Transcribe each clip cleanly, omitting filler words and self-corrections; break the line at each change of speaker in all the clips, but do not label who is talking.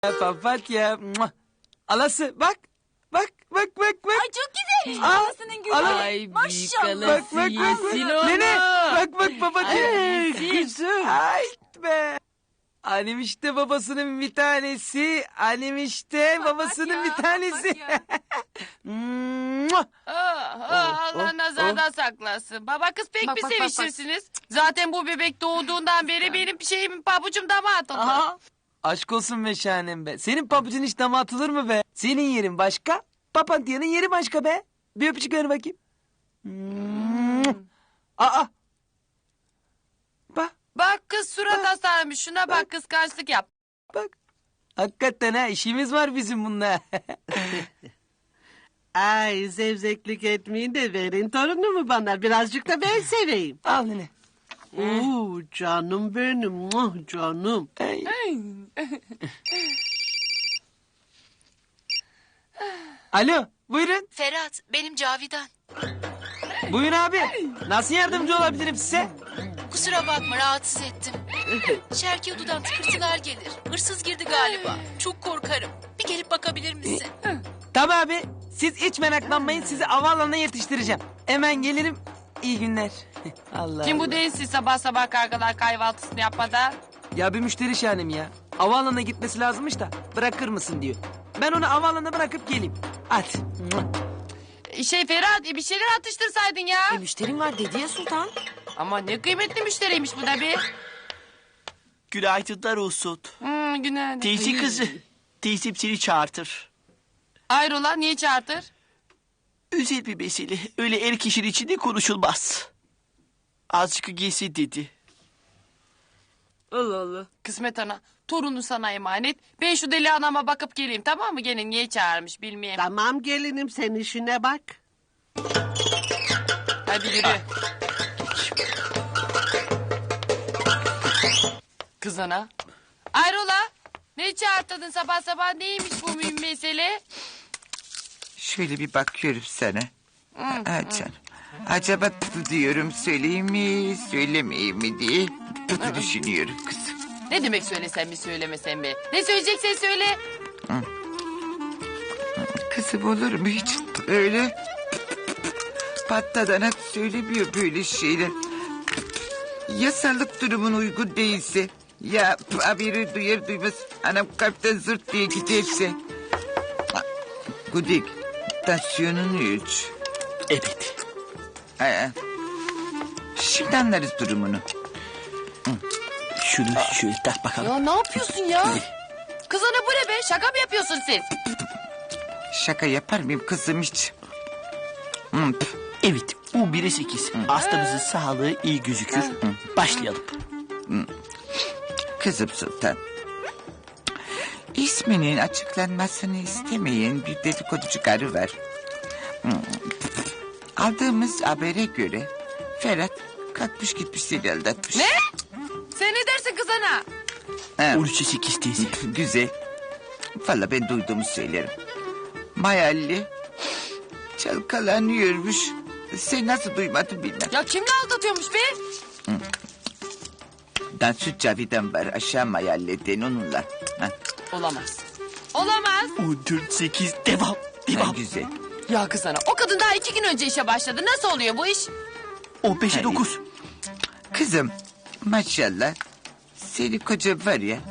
Papatya. Alası bak. Bak.
Ay çok güzelmiş babasının gülü.
Ay
Maşallah.
Bak.
yesin onu.
Nene bak papatya.
Ay,
Kızım. Ay be. Annem işte babasının bir tanesi. Annem işte babasının bir tanesi.
Allah nazardan saklasın. Baba kız pek
Bak,
bir
bak, bak, bak.
sevişirsiniz. Zaten bu bebek doğduğundan beri benim şeyim pabucum dama atıldı.
Aha.
Aşk olsun be şahanem be. Senin pabucun hiç dama atılır mı be? Senin yerin başka. Papatyanın yeri başka be. Bir öpücük ver bakayım. Aa.
Bak kız surat asarmış. Şuna bak kıskançlık yap.
Bak. Hakikaten ha işimiz var bizim bununla.
Ay zevzeklik etmeyin de verin torunumu bana. Birazcık da ben seveyim.
Al nene.
Oo canım benim. Muah, canım.
Ay. Alo buyurun.
Ferhat, benim Cavidan.
Buyurun abi. Nasıl yardımcı olabilirim size?
Kusura bakma, rahatsız ettim. Şerki odadan tıkırtılar gelir. Hırsız girdi galiba. Çok korkarım. Bir gelip bakabilir misin?
Tabii abi. Siz hiç meraklanmayın. Sizi havaalanına yetiştireceğim. Hemen gelirim. İyi günler. Allah
Kim
Allah.
bu değilsin sabah sabah kargalar kahvaltısını yapmadan?
Ya bir müşteri şahanem ya. Havaalanına gitmesi lazımmış da bırakır mısın diyor. Ben onu havaalanına bırakıp geleyim. Hadi.
Ferhat bir şeyler atıştırsaydın ya.
Müşterim var dedi ya Sultan.
Ama ne kıymetli müşteriymiş bu da bir.
Günaydınlar olsun.
Günaydın.
Teyze kızı. Teyzem seni çağırtır.
Hayrola niye çağırtır?
Özel bir mesele. Öyle er kişinin içinde konuşulmaz. Azıcık gelsin dedi.
Allah Allah.
Kısmet ana torunu sana emanet. Ben şu deli anama bakıp geleyim tamam mı? Gene niye çağırmış bilmeyeyim.
Tamam gelinim sen işine bak.
Hadi yürü. Kız ana. Hayrola? Ne çağırtadın sabah sabah neymiş bu mühim mesele?
Şöyle bir bakıyorum sana. Ha canım. Acaba diyorum söyleyeyim mi söylemeyeyim mi diye düşünüyorum kızım.
Ne demek söylesen mi söylemesen mi? Ne söyleyeceksen söyle.
Kızım olur mu hiç öyle patladana söylemiyor böyle şeyler. Ya sağlık durumun uygun değilse ya haberi duyar duymaz anam kalpten zırt diye giderse. Gudik tansiyonun 3.
Evet.
Şimdi anlarız durumunu.
Şunu şöyle tak bakalım.
Ya ne yapıyorsun ya? Kız ana bu ne be? Şaka mı yapıyorsun siz?
Şaka yapar mıyım kızım hiç?
Evet. U1'e 8. Hastamızın sağlığı iyi gözükür. Başlayalım.
Kızım Sultan. İsminin açıklanmasını istemeyen bir dedikoducu karı var. Aldığımız habere göre Ferhat kalkmış gitmiş seni aldatmış.
Ne? Sen ne dersin kız ana?
Ha,
13'e 8 teyze.
güzel. Valla ben duyduğumu söylerim. Mayalli çalkalanıyormuş. Sen nasıl duymadın bilmem.
Ya kimle aldatıyormuş be?
Dansöz Cavidan var aşağı Mayalli'den onunla. Ha,
Olamaz. Olamaz.
14 8 devam.
ha,
Devam.
güzel.
Ya kız ana o kadın daha 2 gün önce işe başladı. Nasıl oluyor bu iş?
15'e 9.
Kızım maşallah seni koca var ya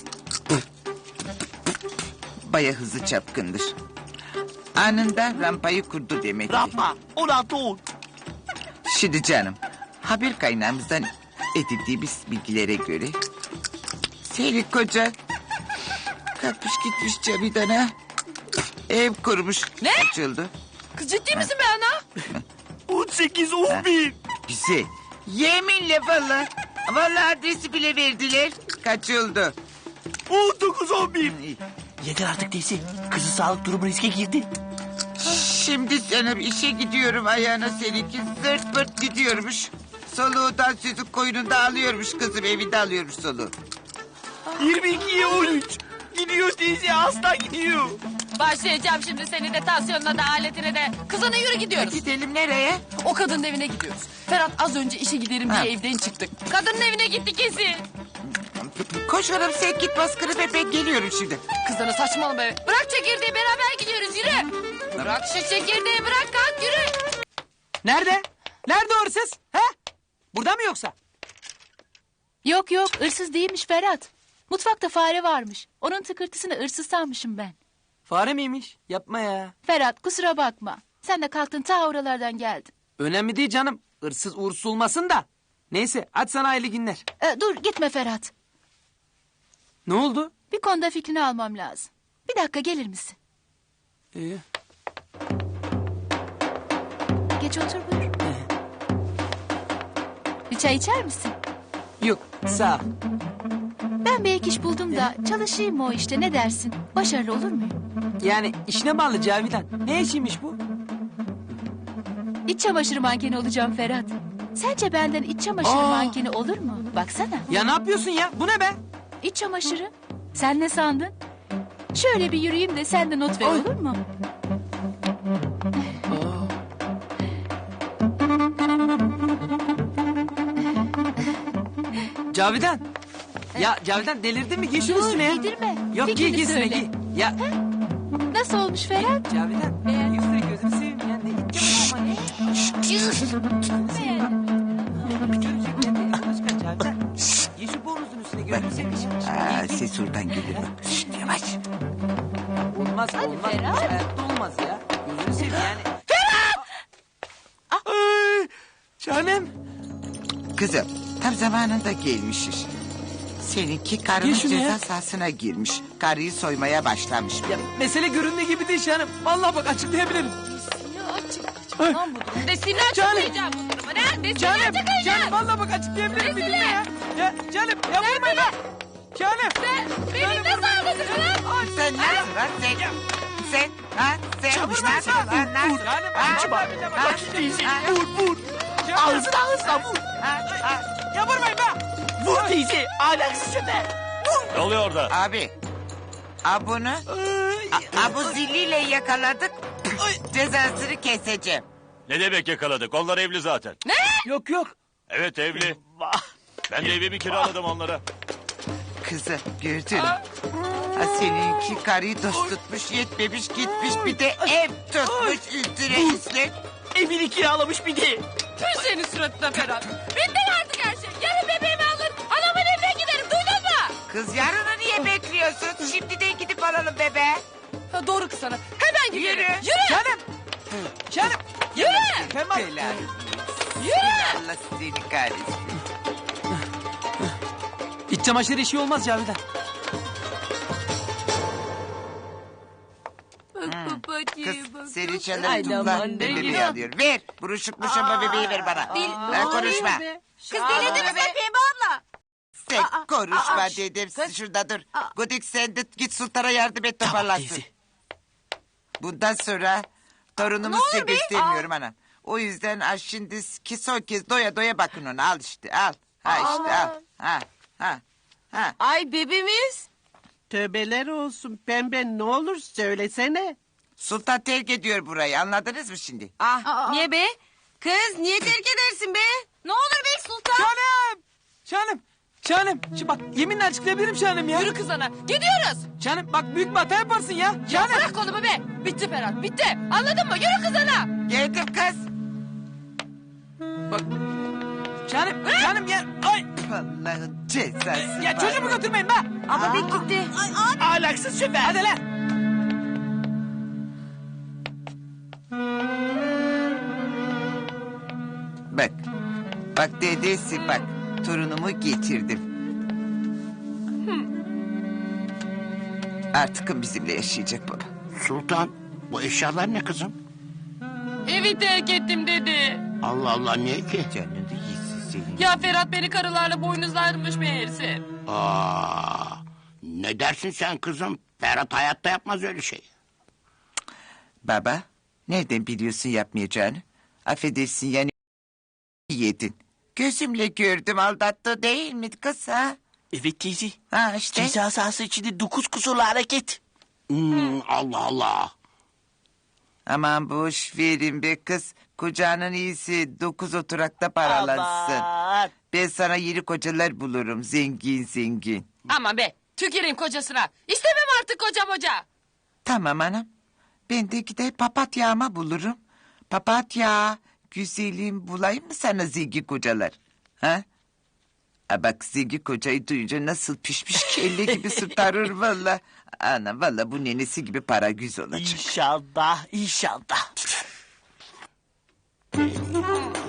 baya hızlı çapkındır. Anında rampayı kurdu demektir.
Rampa. 16 10.
Şimdi canım haber kaynağımızdan edindiğimiz bilgilere göre seni koca kalkmış gitmiş Cavidan'a ev kurmuş.
Ne?
Açıldı.
Kız ciddi misin be ana?
18 11.
Güzel. Yeminle valla. Valla adresi bile verdiler. Kaçıldı.
19 11.
İyi.
Yeter artık teyze. Kızı sağlık durumu riske girdi.
Şimdi sana bir işe gidiyorum ayağına seninki zırt pırt gidiyormuş. Soluğundan sözü koynunda alıyormuş kızım evinde alıyormuş soluğu.
22'ye 13. Gidiyor teyze hasta gidiyor.
Başlayacağım şimdi seni de tansiyonuna da aletine de. Kız ana yürü gidiyoruz.
Gidelim nereye?
O kadının evine gidiyoruz. Ferhat az önce işe giderim
Ha.
diye evden çıktık. Kadının evine gitti kesin.
Koş oğlum sen git baskını be, ben geliyorum şimdi.
Kızana saçmalama be. Bırak çekirdeği beraber gidiyoruz yürü. Bırak şu çekirdeği bırak kalk yürü.
Nerede? Nerede o hırsız? He? Burada mı yoksa?
Yok yok hırsız değilmiş Ferhat. Mutfakta fare varmış. Onun tıkırtısını hırsız sanmışım ben.
Fare miymiş? Yapma ya.
Ferhat kusura bakma. Sen de kalktın ta oralardan geldin.
Önemli değil canım. Hırsız uğursuz olmasın da. Neyse hadi sana hayırlı günler.
Dur gitme Ferhat.
Ne oldu?
Bir konuda fikrini almam lazım. Bir dakika gelir misin?
İyi.
Geç otur buyur. Bir çay içer misin?
Yok sağ ol.
Ben bir ek iş buldum da çalışayım mı o işte ne dersin? Başarılı olur muyum?
Yani işine bağlı Cavidan. Ne işiymiş bu?
İç çamaşırı mankeni olacağım Ferhat. Sence benden iç çamaşırı mankeni olur mu? Baksana.
Ya ne yapıyorsun ya? Bu ne be?
İç çamaşırı. Sen ne sandın? Şöyle bir yürüyeyim de sen de not ver olur mu?
Cavidan. Ya Cavidan delirdin mi? Giy şunu
Dur
üstüne ya.
giydirme.
Yok giy
Fikrini
giy üstüne
söyle.
giy. Ya
Nasıl olmuş Ferhat?
Cavidan. Giy üstüne gözünü seveyim ya. Ne gideceğim ama ne? Giy şu bornozun üstüne gözünü seveyim.
Aa, ses oradan gelir bak. Şşt, yavaş.
Olmaz olmaz.
Ferhat.
Hayatta olmaz ya. Gözünü seveyim yani. Ferhat! Ay, canım.
Kızım tam zamanında gelmişiz. Seninki karının
Gel şunu ya.
ceza sahasına girmiş. Karıyı soymaya başlamış.
Ya mesele göründüğü gibi değil canım. Vallahi bak açıklayabilirim.
Desini
Canım.
açıklayacağım bu durumu. Ne? Desini
Canım,
açıklayacağım.
canım vallahi bak açıklayabilirim bir dinle ya. Ya canım ya vurmayın be. Canım.
Beni nasıl anladın lan?
Sen nasıl lan sen? Sen ha sen nasıl lan nasıl?
Canım
Ha?
vallahi billahi bak açıklayabilirim.
Vur. Ağzına ağzına vur.
Ya vurmayın be.
Vur teyze. Ahlaksız köpek.
Ne oluyor orada?
Abi. Bunu Abu zilliyle yakaladık. Cezasını keseceğim.
Ne demek yakaladık? Onlar evli zaten.
Yok yok.
Evet evli. Ben de evimi kiraladım onlara.
Kızım gördün mü? Ha, seninki karıyı dost tutmuş yetmemiş gitmiş bir de ev tutmuş üstüne üstlük.
Evini kiralamış bir de.
Tüm senin suratına Ferhat. Bitti artık her şey. Yarın bebeğimi alır. Anamın evine giderim. Duydun mu?
Kız yarını niye bekliyorsun? Şimdiden gidip alalım bebe.
Ha, doğru kız sana. Hemen gidelim.
Yürü.
Yürü.
Canım. Canım.
Yürü.
Kemal.
Helal.
Yürü.
Allah seni kahretsin.
İç çamaşır işi olmaz Cavidan.
Kız seni çeneni tutla. Ben bebeği alıyorum. Ver. Buruşuk muşamba bebeği ver bana. Ben konuşma.
Kız delirdi mi sen Pembe abla?
Sen konuşma dedim. Şurada dur. Gudik sen de git sultana yardım et toparlansın. Bundan sonra torunumu size göstermiyorum ana. O yüzden şimdi ki son kez doya doya bakın ona. Al işte al. Ha işte al. Ha.
Ay bebeğimiz.
Tövbeler olsun pembe ne olur söylesene.
Sultan terk ediyor burayı anladınız mı şimdi?
Niye be? Kız niye terk edersin be? Ne olur be Sultan.
Canım. Canım. Canım. Şimdi bak yeminle açıklayabilirim canım ya.
Yürü kız ana. Gidiyoruz.
Canım bak büyük bir hata yaparsın ya.
Ya
Canım.
bırak kolumu be. Bitti Ferhat bitti. Anladın mı? Yürü kız ana.
Geldim kız.
Bak. Canım. Canım ya. Ay.
Allah'ın cezası.
Ya
var.
çocuğumu götürmeyin be.
Ama ben gitti.
Ahlaksız köpek.
Hadi lan.
Bak. Bak dedesi bak. Torunumu getirdim. Artık bizimle yaşayacak baba.
Sultan, bu eşyalar ne kızım?
Evi terk ettim dedi.
Allah Allah niye ki?
Canını yesin senin.
Ya Ferhat beni karılarla boynuzlarmış meğerse.
Ne dersin sen kızım? Ferhat hayatta yapmaz öyle şey.
Baba, nereden biliyorsun yapmayacağını? Affedersin yani yedin. Gözümle gördüm aldattı değil mi kız ha?
Evet teyze.
Ha işte.
Ceza sahası içinde 9 kusurlu hareket. Allah Allah.
Aman boş verin be kız. Kocanın iyisi 9 oturakta paralansın.
Aman.
Ben sana yeni kocalar bulurum. Zengin zengin.
Aman be tüküreyim kocasına. İstemem artık koca.
Tamam anam. Ben de gider papatyama bulurum. Papatya, güzelim bulayım mı sana zengin kocalar? Ha? Ha bak zengin kocayı duyunca nasıl pişmiş kelle gibi sütarır valla. Ana valla bu nenesi gibi para güz olacak.
İnşallah, inşallah.